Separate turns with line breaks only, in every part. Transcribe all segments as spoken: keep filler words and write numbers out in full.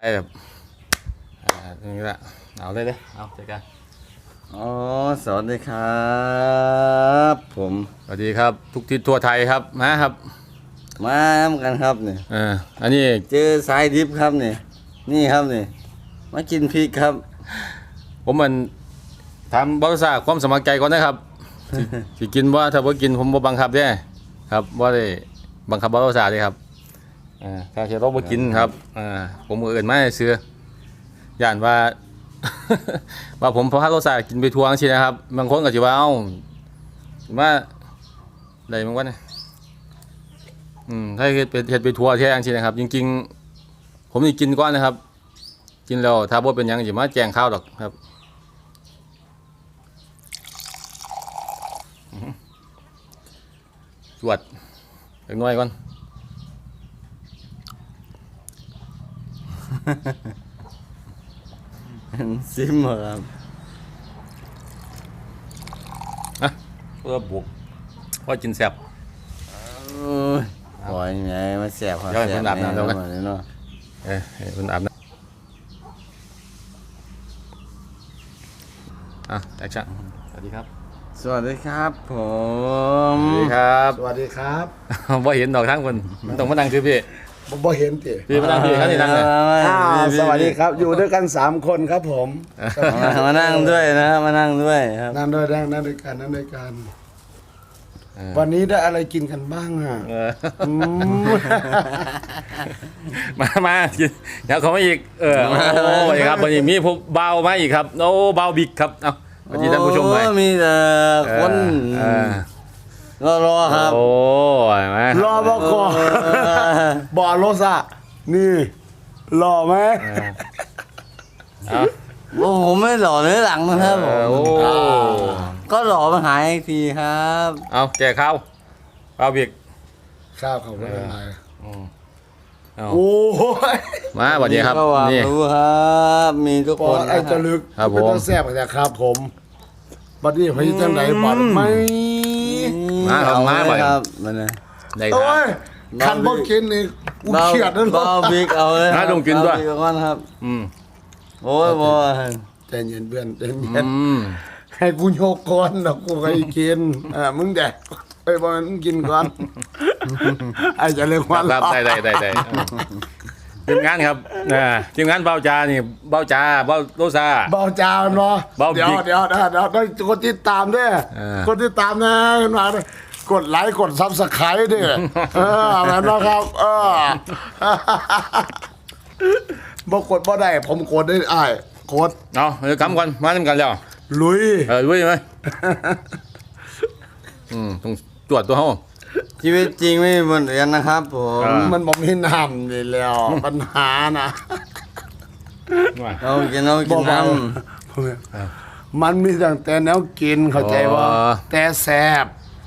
ไอ้แบบอ่านี่แหละเอาเลยเลยเอาเจอกัน
อ๋อสวัสดีครับผม
สวัสดีครับทุกทิศทั่วไทยครับมาครับ
มาทำกันครับเนี่ย
อ่าอันนี้
เจอสายดิบครับเนี่ยนี่ครับเนี่ยมากินพริกครับ
ผมมันทำบริษัทความสมัครใจก่อนนะครับสิสิกินว่าถ้าว่ากินผมบ่บังคับเด้ครับว่าได้บังคับบริษัทเลยครับอ่าถ้าจะต้องบ่กินครับอ่าผมเอื่นมาซื้อย่านว่า ว่าผมพอฮัลโหลสากินไปทัวร์จังซี่นะครับบางคนก็สิว่าเอ้าว่าได้มันว่าเนี่ยอืมถ้าเฮ็ดเป็นเฮ็ดไปทัวร์แท้จังซี่นะครับจริงๆผมนี่กินก่อนนะครับกินแล้วถ้าบ่เป็นหยังสิมาแจ้งข่าวดอกครับจวดเล็กน้อยก่อน
ซิมครับ
นะเพื่อบุกพอกินแซ่บ
โอ้ยไงมาแสบครับ
เดี๋ยวให้
แส
เพิ่
บ
นอาบน้ำเดี๋ยวกัน
เนาะ
เอ้ยให้เพิ่นอาบน้ำอ่ะแอคชั่นสวัสดีครับ
สวัสดีครับผ
ส
ม
วัสดีครับ
สวัสดีครับ
บ่เห็นดอกทั้งคนมันต้องมานั่งคือพี่
ผมบ่เห็นติ
พี่มานั่งพี่ครับนี่นั่งเลย
อ่าสวัสดีครับ อยู่ด้วยกันสามคนครับผม
มามานั่งด้วยนะมานั่งด้วยครับ
นั่งด้วยนั่งนั่งด้วยกันนั่งด้วยกัน วันนี้ได้อะไรกินกันบ้างอ่ะ
เออ
อืม
มามากินเดี๋ยวเขามาอีกเออโอ้สวัสดีครับวันนี้มีพวกเบามาอีกครับโอ้เบาบิ๊กครับเอ้าสวัสดีท่านผู้ชมหน่อย
โอ้มีแต่คน
เออ
รอรอครับ
โอ้ยมาร
อบอกก่อนบอโรซะนี่หล่อไหม
เอา
โอ้ผมไม่หล่อเนื้อหลังนะครับผ
เออ
ม
โอ้
ก็หล่อมาหายอีกทีครับ
เอาแจกข้าวเบาบิ๊ก
ข้าวเขาไม่เป็นไร
อืมเอา
โอ้ย
มาสวัสดีครับ
ก็หวัง
นี่
รู้ครับ มีทุก
ป
ค
อน ไอ้
นะค
จะ
รับ
ลึก
ครับผม
เป็นต้องแซ่บแต่ครับผมบัดนี้พี่จังไหนบัดไหม
มาครับมาบ่อย
ครับมันนะ
ได้ค
โอ้
รับ
ยคันบ่กินนี่กูเขียดนั่นหร
เบา
อ
บิ๊กเอาเลย
มาลงกินด้วย
เบาบิ๊ก่อนครับ
อืม
โอ้ยบอย
ใจเย็นเพื่อนใจเย็
อื
น
ม
ให้กูโยกก่อนนะกูไปกินอ่ามึงแดกไปบอลมึงกินก่อนไอ้จะเรียกว่า
ครับได้ได้ได้ได้ทีมงานครับอ่าทีมงานเบาจานี่เบาจาเบาโรซา
เบาจาวเนาะ
เบา
เดี๋ยว
บิ๊ก
เดี๋ยวเดี๋ยวเดี๋ยวต้องกดติดตามด้วย
เออ
กดติดตามนะขึ้นมาด้วยกดไลค์กดซับสไครต์ด้วยเออแบบนั้นครับ เออบ่กดบ่ได้ผมกดได้อ้ายกด
เอาเดี๋ยวคำก่อนมาทำกันแล้ว
ลุย
เออด้วยไหมอืมต้องตรวจตัวเขา
ชีวิตจริงไม่มีบนเรียนนะครับผม
อ่า
มันบ่มีน้ำนี่แล้ว ปัญหานะ
เรากินเรากินน้
มันมีตั้งแต่แนวกินเข้าใจว่า
อ๋อ
แต่แซ่บ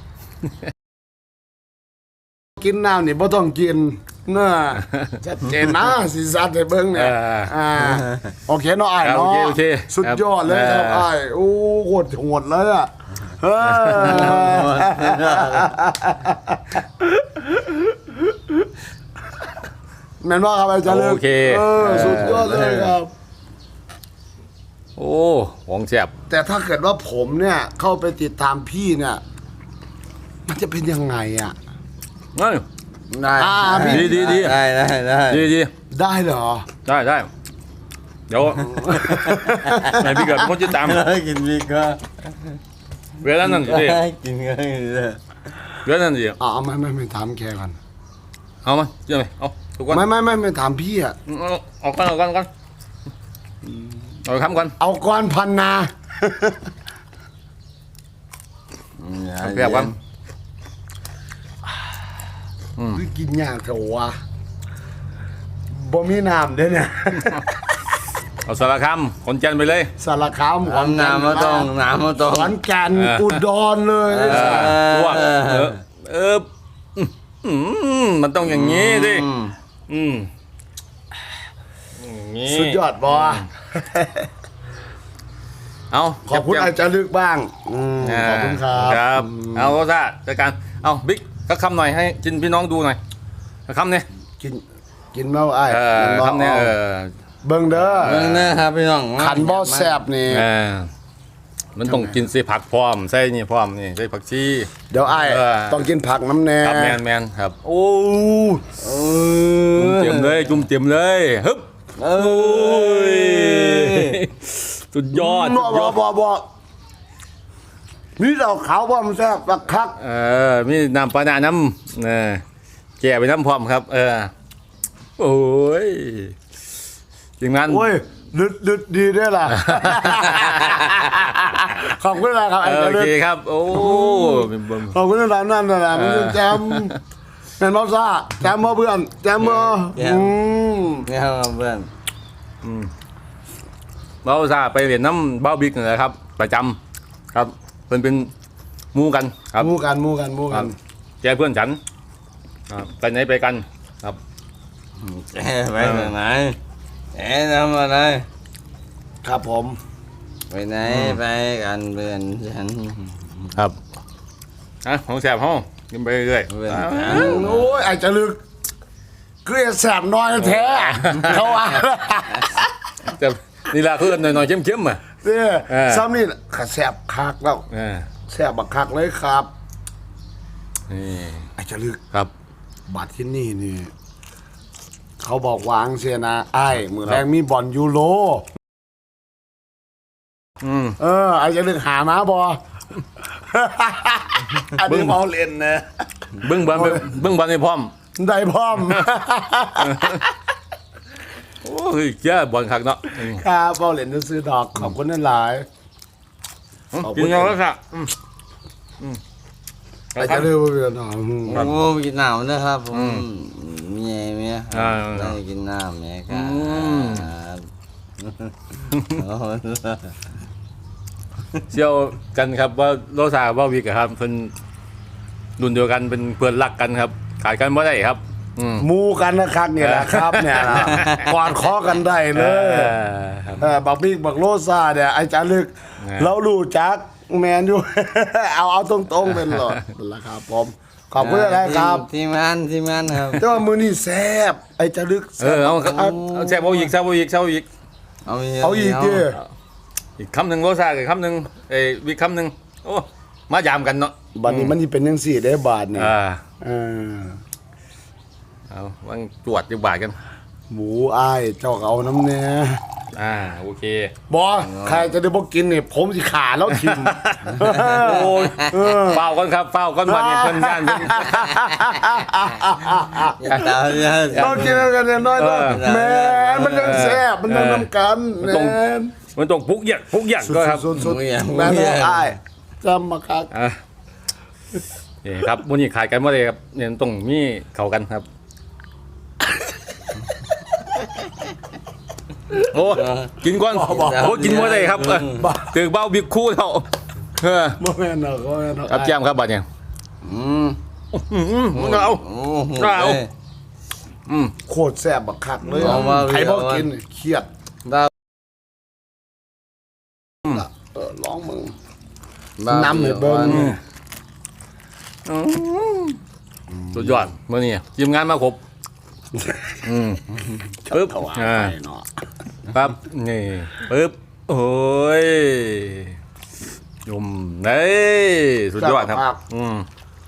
กินน้ำนี่บ่ต้องกินเน้อชัดเจนนะสิซัดให้เบิ่งเนี่ย
เอออ่
อ่าโอเคเนาะอ้าย
ครับโอ
เนาะ
เคโอเค
สุดยอดเลยครับ
ครับ
อ้ายโอ้โหดโหดเลยอ่ะเออแม่นว่าครับอาจารย์เลิก
โอเค
เออสุดยอดเลยครับ
โอ้ของแซ่บ
แต่ถ้าเกิดว่าผมเนี่ยเข้าไปติดตามพี่เนี่ย มันจะเป็นยังไงอ่ะ
เอ้ย
ำได้
อ่าพี่
ดีดีดี
ได้ได้ได้
ดีดี
ได้เหรอ
ได้ได้เดี๋ยวไหนพี่เกิดคนจะตาม
กินบิ๊กก็
เวลานั้นสิ
กินก็ได้
เวลานั้นสิ
อ๋อไม่ไม่ไม่ถามแกก่อน
เอามาเชื่อไหมเอาทุกคน
ไม่ไม่ไม่ไม่ถามพี่อ่ะ
เอาเอากันเอากันเอากันเอาคำก่อน
เอาก้อนพันนา
เปรียบกัน
คือกินยากเถอะวะบ่มีน้ำเด้อเนี่ย
เอาสารคำคนจันทร์ไปเลย
สารคามขอน
น้ำ
แก่น
น้ำมาต้องน้ำมาต้อง
ขอนแก่น
เอออุ
อุดรเลย
เออตัวเออเอออืมมันต้องอย่างนี้ดิ
อืม
อืมอย่างนี้
สุดยอดบอ
เอา
ขอบคุณอาจารย์ลึกบ้างอืมขอบคุณครับ
ครับเอาก็ซะจัดการเอาบิ๊กก็คำหน่อยให้จินพี่น้องดูหน่อยคำเนี่ย
กินกินเมาไอ้าย
เออ
กินบ่
คำเนี่ยเออ
เบิ่งเด้อ
เบิ่งนะครับพี่น้อง
ขันบ่แซ่บนี่
อ่ามันต้องกินใส่ผักพร้อมใส่นี่พร้อมนี่ใส่ผักชี
เดี๋ยวอ้าย
เออ
ต้องกินผักน้ำแน่
ครับแมนแมนครับ โอ้
เอ
จุ่ม
อ
เต็มเลยจุ่มเต็มเลยฮึบ
เอ
โอ้
อย
สุดยอด
บ่
สุดย
บ่
อด
บ่บ่นี่เราขาวบ่มันแซ่บบักคัก
เออมีน้ำปลาหน้าน้ำเออแก่ไปน้ำพร้อมครับ เออโอ้ยทีมงาน
โอ้ยดึดดึดดีด้วยล่ะ ขอบคุณนะครับ
เอ
ไอ้
อโอ
เจ้า
เค
ดึก
ครับ โอ้เป็นเบิ่ง
ขอบคุณนะนั่นน่ะนะมันแจมแม่นบ่ซ่าแจมบ่เพื่อนแจมบ่อืม
เนี่ยครับเพื่อน
เบ้าซาไปเรียนน้ำเบ้าบิ๊กนี่แหละครับ ประจำครับเป็นเป็นหมู่กันครับ
หมู่กันหมู่กันหมู่
ค
กั
รั
น
บแกเพื่อนฉันอ่าไปไหนไปกันครับ
แกไปไหนแกทำอะไร
ครับผม
ไปไหนไปกันเพื่อนฉัน
ครับฮะของแสบห้องกินไปเรื่อย
เพื่อน
ๆอ่า
ฉัน
โอ้ยไอ้จะลึกคือแสบน้อยแท้เขาว่า
แต่นี่ละคือหน่อยๆเข้มๆอ่ะ
เนี่ย
เออ
ซ้ำนี่ขแสบคักแล้ว
อ่า
แสบบักคักเลยครับ
นี่
ไอ้จะลึก
ครับ
บัตรที่นี่นี่ เขาบอกวางเสียนะไอ้มือแรงมีบอลยูโร
อืม
เออไอ้จะลึกหามาบอ อันนี้เมาเล่นนะ
เบิ้งบอลไปเบิ้งบอลให้พร้อม
ได้พร้อม
โอ้ยเจ้าบอลคักเนาะอืม
ครับเมาเล่นจะซื้อดอกขอบคุณนั่นหลาย ขอบคุ
กิ
ณ
นเอาแล้วค่ะอืมอืม
ไอ้จะลึกว่าเพื่อนอ๋ออืม
โอ้กินน้ำนะครับผมเมียเมียค
อ่า
รับได้กินน้ำเมียครั
อืม
บโอ้
เชี่ยวกันครับว่าโรซาว่าวิกอะครับเป็นรุ่นเดียวกันเป็นเพื่อนรักกันครับ ขายกันไม่ได้ครับ อืม
หมูกันนะครับเนี่ยแหละครับเนี่ยนะกอดคอกันได้เลย
ออครับ
เออบักบิ๊กบักโลซาเนี่ยไอ้จารึก
นะ
เรารู้จักแมนอยู่ เอาเอาตรงๆเป็นหลอดละครับผมขอบคุณอะไรครับ
ทีมงานทีมงานครับ
แต่ว่ามือนี่แซ่บไอ้จารึก
เออเอาเอาเอาแซ่บเอาอีกแซ่บเอาอีกแซ่บเอาอีก
เอาอีก
เอาอีกดิ
อีกคำหนึ่งโรซาอีกคำหนึ่งเอ้ยวิกคำหนึ่งโอ้มายามกันเนาะ
บัดนี้มันนี่เป็นยังสี่ได้บาทเนี่ย
อ่า
เออ
เอาวางจวดจังบาทกัน
หมูอ้ายเจ้าก็เอาน้ำเนี่ย
อ่าโอเค
บอใครจะได้บอกกินเนี่ยผมสิขาแล้วทิม
โอ้ยเฝ้าก่อนครับเฝ้าก่อนวันนี้เพิ่นย่านเพิ่น
อย่าตามอย่า
ต้องกินกันเนี่ยน้อย
เอ
ต้อง
อ
แมนมันยังแซ่บมันยังน้ำกัน
มัน
แม
ต้อง
น
มันต้องพุกหยักพุกหยักก็ครับ
สุดๆๆแมนบอกอ้ายจำมาครับ
อ่ะนี่ครับวันนี้ขายกันว่าเลยครับเนี่ยต้องมีเข้ากันครับ โอ้กินก่อนโอ้กินว่าเลยครับเออตึกเบ้าบิ๊กคู่เท่าเออ
บ่แม่นหรอกบ่แม่นหรอก
ครับแจ้มครับบัดเนี่ย
อืม
อืมมึงเอา
โอ้โห
เอา อืม
โคตรแซ่บบักคักเลย
เอาว่า
ใครบ่
เอาว่า
กินเครียด
บ้า
เออลองมึง
บ้า
น้ำให้เบิ่ง
สุดยอดมื่อนี้ทีมงานมาครบอืมปึ๊บ
ถวาย
อ่า
ไปเนาะ
ปั๊บนี่ปึ๊บโอ้ยยุ่มเฮ้ยสุดยอดครับอืม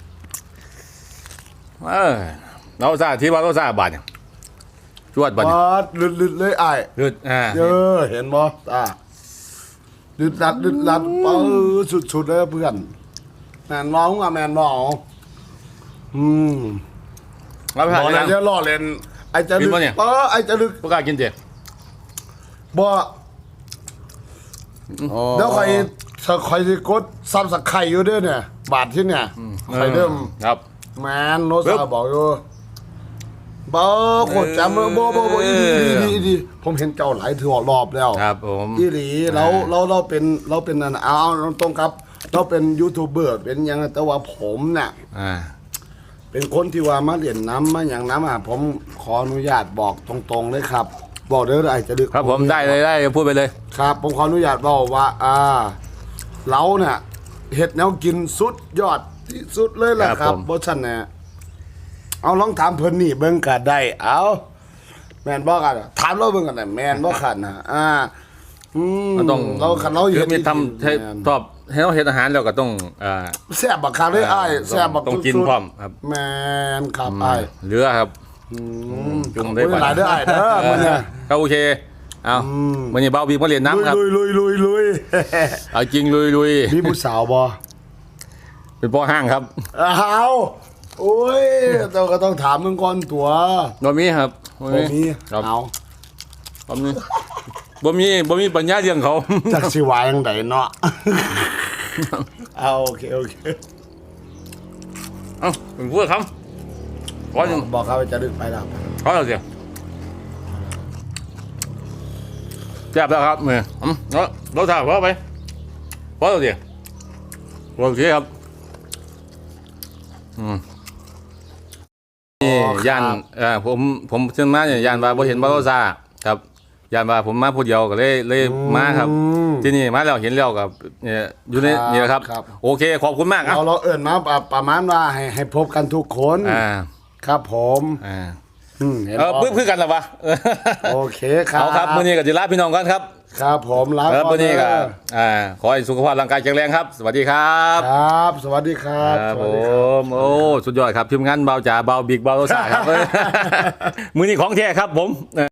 เออเราซาที่ว่าเราซาบาทเนี่ยจวดบาทเนี่ย
บาดลึดๆเลยอ้าย
ลืดอ่า
เออเห็นบ่ตาลึดลัดลึดลัดเออสุดๆเลยเพื่อนแม่นบ่อ่ะแม่นบ่อืม
เราไป
บ
หา
อก
ที่
แล้
นั่
ว
ง
จะล่อเล่นไอ้จะ
กิ
ลึ
น
ก
ปะเนี่ย
เออไอ้จะลึก
พวกกล้ากินเจ๊
บ่
โอ้
เดี๋ยวใครใครสิกดซับสักไข่อยู่เด้อเนี่ย บาทที่เนี่ยใครเริ่ม
ครับ
แมนโน
ปึ๊
ซา
บ
บอกอยู่บ่โคตรจำเลยบ่บ่บ่อีดีอีดีอีดีผมเห็นเจ้าหลายถือรอบแล้ว
ครับผม
อีหลีเราเราเราเป็นเราเป็นนั่นเอาเอาตรงครับ เราเป็นยูทูบเบอร์เป็นหยังแต่ว่าผมเนี่ย
อ่า
เป็นคนที่ว่ามาเรียนน้ำมาอย่างน้ำอ่ะผมขออนุญาตบอกตรงๆเลยครับ บอกเด้อไอ้จะดึก
ครับผมได้เลยได้พูดไปเลย
ครับ ผมขออนุญาตบอกว่า อ่าเราเนี่ยเห็ดแนวกินสุดยอดที่สุดเลยแหละครับเพราะฉะนั้นเนี่ยเอาลองถามเพิ่นนี่เบิ่งก็ได้เอาแมนบ่กันอะถามเราเบิ่งกันน่ะแมนบ่คันนะอ่าอืม
มันต้อง
เราคันเรา
คือ
เฮ็ด
มีทำให้
แม่น
ชอบให้เราเฮ็ดอาหารแล้วก็ต้องอ่า
แซ่บบักคักเลยอ้ายแซ่บบัก
ต้องกิน
สุดๆ
พร้อมครับ
แมนครับอ้าย
เหลือครับ
อืม
จุ่ม
ได้
ได้
หลายเด้ออ้ายเด้อมื้อนี้
ก็โอเคเอา
อืม
วันนี้เบาบีมาเรียนน้ำครับ
ลุยลุยลุยลุย
เอาจริงลุยลุย
มีผู้สาวบ่
เป็นพ่อห้างครับ
อ้าวโอ้ยเราก็ต้องถามมึงก่อนตัว
บ่มีครับ
บ่มี
ครับ
เอา
บ่มีบ่มีบ่มีปัญญาเลี้ยงเขา
จักสิว่าจังไดเนาะ เอาโอเคโอเค
เอ้าเป็นพูดครับขอหนึ่ง
บอกเขาว่าจะดึกไปแล้ว
ขอเราเสียแซ่บแล้วครับเมื่ออืมเราเราถ่ายขอไปขอเราเสียโอเคครับอืมนี่ย่านเอ่อผมผมเชื่อมาเนี่ยย่านว่าบ่เห็นบ่เราซาครับย่านว่าผมมาผู้เดียวก็เลยเลยมาครับ ที่นี่มาแล้วเห็นแล้วกับเนี่ยอยู่ในนี่แหละครับ โอเคขอบคุณมากครับ
เราเราเอิ่นมาประประมาณว่าให้ให้พบกันทุกคน
อ่า
ครับผม
อ่า
อืมห็น
เออ
บ่
เพื่อเพื่อกันเหรอวะ
โอเคครับ
เอาครับมื้อนี้ก็จะลาพี่น้องกันครับ
ครับผมลา
เออ
ก่
มื้อนี้ก็
เด้อ
อ่าขอให้สุขภาพร่างกายแข็งแรงครับ สวัสดีครับ
ครับ สวัสดีครับ
ครับ
ส
ผ
วัสดีครับ
มโอ้สุดยอดครับทีมงานเบาจ๋าเบาบิ๊กเบาโลซ่าครับ มื้อนี้ของแท้ครับผม